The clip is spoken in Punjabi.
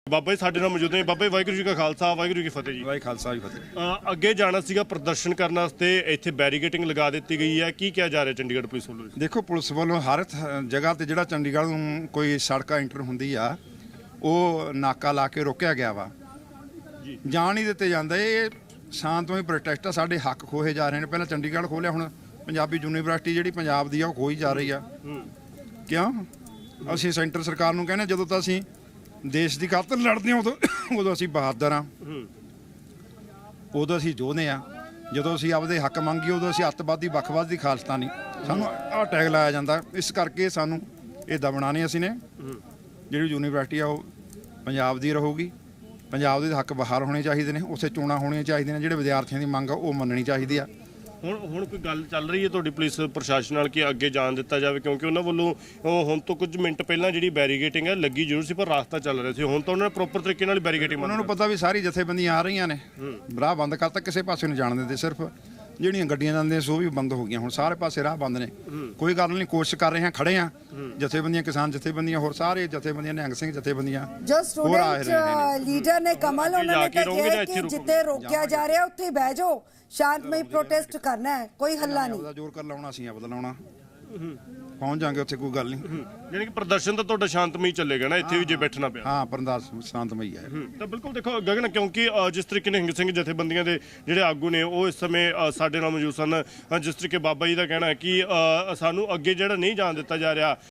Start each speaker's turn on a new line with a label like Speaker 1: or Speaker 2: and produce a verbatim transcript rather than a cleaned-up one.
Speaker 1: ਬਾਬਾ ਜੀ ਸਾਡੇ ਨਾਲ ਮੌਜੂਦ ਨੇ। ਬਾਬਾ ਜੀ ਵਾਹਿਗੁਰੂ ਜੀ ਕਾ ਖਾਲਸਾ ਵਾਹਿਗੁਰੂ ਜੀ ਕੀ ਫਤਿਹ ਜੀ।
Speaker 2: ਵਾਹਿ ਖਾਲਸਾ ਜੀ ਫਤਿਹ।
Speaker 1: ਅ, ਅੱਗੇ ਜਾਣਾ ਸੀਗਾ ਪ੍ਰਦਰਸ਼ਨ ਕਰਨ ਵਾਸਤੇ, ਇੱਥੇ ਬੈਰੀਗੇਟਿੰਗ ਲਗਾ ਦਿੱਤੀ ਗਈ ਹੈ, ਕੀ ਕਿਹਾ ਜਾ ਰਿਹਾ ਚੰਡੀਗੜ੍ਹ ਪੁਲਿਸ ਵੱਲੋਂ?
Speaker 2: ਦੇਖੋ, ਪੁਲਿਸ ਵੱਲੋਂ ਹਰ ਥ- ਜਗ੍ਹਾ ਤੇ ਜਿਹੜਾ ਚੰਡੀਗੜ੍ਹ ਨੂੰ ਕੋਈ ਸੜਕ ਐਂਟਰ ਹੁੰਦੀ ਆ ਉਹ ਨਾਕਾ ਲਾ ਕੇ ਰੋਕਿਆ ਗਿਆ ਵਾ
Speaker 1: ਜੀ।
Speaker 2: ਜਾਣ ਨਹੀਂ ਦਿੱਤੇ ਜਾਂਦੇ। ਇਹ ਸ਼ਾਂਤਮਈ ਪ੍ਰੋਟੈਸਟ ਆ, ਸਾਡੇ ਹੱਕ ਖੋਹੇ ਜਾ ਰਹੇ ਨੇ। ਪਹਿਲਾਂ ਚੰਡੀਗੜ੍ਹ ਖੋਲਿਆ, ਹੁਣ ਪੰਜਾਬੀ ਯੂਨੀਵਰਸਿਟੀ ਜਿਹੜੀ ਪੰਜਾਬ ਦੀ ਆ ਉਹ ਖੋਈ ਜਾ ਰਹੀ ਆ। ਕਿਉਂ? ਅਸੀਂ ਸੈਂਟਰ ਸਰਕਾਰ ਨੂੰ ਕਹਿੰਦੇ ਜਦੋਂ ਤਾਂ ਅਸੀਂ ਦੇਸ਼ ਦੀ ਖਾਤਰ ਲੜਦੇ ਹਾਂ ਉਦੋਂ ਉਦੋਂ ਅਸੀਂ ਬਹਾਦਰ ਹਾਂ, ਉਦੋਂ ਅਸੀਂ ਯੋਧੇ ਹਾਂ। ਜਦੋਂ ਅਸੀਂ ਆਪਦੇ ਹੱਕ ਮੰਗੀਏ ਉਦੋਂ ਅਸੀਂ ਅੱਤਵਾਦੀ ਵੱਖਵਾਦੀ ਖਾਲਿਸਤਾਨੀ, ਸਾਨੂੰ ਆਹ ਟੈਗ ਲਾਇਆ ਜਾਂਦਾ। ਇਸ ਕਰਕੇ ਸਾਨੂੰ ਇਹ ਦਬਣਾ ਨਹੀਂ। ਅਸੀਂ ਨੇ ਜਿਹੜੀ ਯੂਨੀਵਰਸਿਟੀ ਆ ਉਹ ਪੰਜਾਬ ਦੀ ਰਹੂਗੀ। ਪੰਜਾਬ ਦੇ ਹੱਕ ਬਾਹਰ ਹੋਣੇ ਚਾਹੀਦੇ ਨੇ, ਉੱਥੇ ਚੋਣਾਂ ਹੋਣੀਆਂ ਚਾਹੀਦੀਆਂ ਨੇ। ਜਿਹੜੇ ਵਿਦਿਆਰਥੀਆਂ ਦੀ ਮੰਗ ਆ ਉਹ ਮੰਨਣੀ ਚਾਹੀਦੀ ਆ।
Speaker 1: ਹੁਣ ਹੁਣ ਕੋਈ ਗੱਲ ਚੱਲ ਰਹੀ ਹੈ ਤੁਹਾਡੀ ਪੁਲਿਸ ਪ੍ਰਸ਼ਾਸਨ ਨਾਲ ਕਿ ਅੱਗੇ ਜਾਣ ਦਿੱਤਾ ਜਾਵੇ? ਕਿਉਂਕਿ ਉਹਨਾਂ ਵੱਲੋਂ ਉਹ ਹੁਣ ਤੋਂ ਕੁਝ ਮਿੰਟ ਪਹਿਲਾਂ ਜਿਹੜੀ ਬੈਰੀਗੇਟਿੰਗ ਹੈ ਲੱਗੀ ਜ਼ਰੂਰ ਸੀ, ਪਰ ਰਾਸਤਾ ਚੱਲ ਰਿਹਾ ਸੀ। ਹੁਣ ਤਾਂ ਉਹਨਾਂ ਨੇ ਪ੍ਰੋਪਰ ਤਰੀਕੇ ਨਾਲ ਬੈਰੀਗੇਟਿੰਗ
Speaker 2: ਉਹਨਾਂ ਨੂੰ ਪਤਾ ਵੀ ਸਾਰੀ ਜਥੇਬੰਦੀਆਂ ਆ ਰਹੀਆਂ ਨੇ, ਰਾਹ ਬੰਦ ਕਰਤਾ, ਕਿਸੇ ਪਾਸੇ ਨਹੀਂ ਜਾਣ ਦਿੰਦੇ। ਸਿਰਫ ਜਿਹੜੀਆਂ ਗੱਡੀਆਂ ਜਾਂਦੀਆਂ ਸੋ ਵੀ ਬੰਦ ਹੋ ਗਈਆਂ। ਹੁਣ ਸਾਰੇ ਪਾਸੇ ਰਾਹ ਬੰਦ ਨੇ। ਕੋਈ ਗੱਲ ਨਹੀਂ, ਕੋਸ਼ਿਸ਼ ਕਰ ਰਹੇ ਹਾਂ, ਖੜੇ ਹਾਂ। ਜਥੇਬੰਦੀਆਂ, ਕਿਸਾਨ ਜਥੇਬੰਦੀਆਂ, ਹੋਰ ਸਾਰੇ ਜਥੇਬੰਦੀਆਂ, ਨਿਹੰਗ ਸਿੰਘ ਜਥੇਬੰਦੀਆਂ,
Speaker 3: ਜੋ ਸਟੂਡੈਂਟ ਲੀਡਰ ਨੇ ਕਮਲ, ਉਹਨਾਂ ਨੇ ਤਾਂ ਕਿਹਾ ਕਿ ਜਿੱਥੇ ਰੋਕਿਆ ਜਾ ਰਿਹਾ ਉੱਥੇ ਬਹਿ ਜਾਓ, ਸ਼ਾਂਤਮਈ ਪ੍ਰੋਟੈਸਟ ਕਰਨਾ ਹੈ, ਕੋਈ ਹੱਲਾ ਨਹੀਂ।
Speaker 2: ਆਪਦਾ ਜ਼ੋਰ ਕਰ ਲਾਉਣਾ ਸੀ, ਆਪਦਾ ਲਾਉਣਾ, ਪਹੁੰਚ ਜਾਾਂਗੇ ਉੱਥੇ, ਕੋਈ ਗੱਲ ਨਹੀਂ।
Speaker 1: ਯਾਨੀ ਕਿ ਪ੍ਰਦਰਸ਼ਨ ਤਾਂ ਤੁਹਾਡਾ ਸ਼ਾਂਤਮਈ ਚੱਲੇਗਾ ਨਾ, ਇੱਥੇ ਵੀ ਜੇ ਬੈਠਣਾ ਪਿਆ?
Speaker 2: ਹਾਂ, ਪਰਦਾਸ ਸ਼ਾਂਤਮਈ ਹੈ।
Speaker 1: ਤਾਂ ਬਿਲਕੁਲ ਦੇਖੋ ਗਗਨ, ਕਿਉਂਕਿ ਅ, ਜਿਸ ਤਰੀਕੇ ਨਿਹੰਗ ਸਿੰਘ ਜਥੇਬੰਦੀਆਂ ਦੇ ਜਿਹੜੇ ਆਗੂ ਨੇ ਉਹ ਇਸ ਸਮੇਂ ਅ, ਸਾਡੇ ਨਾਲ ਮੌਜੂਦ ਸਨ। ਅ, ਜਿਸ ਤਰੀਕੇ ਬਾਬਾ ਜੀ ਦਾ ਕਹਿਣਾ ਹੈ ਕਿ ਅ, ਸਾਨੂੰ ਅੱਗੇ ਜਿਹੜਾ ਨਹੀਂ ਜਾਣ ਦਿੱਤਾ ਜਾ ਰਿਹਾ।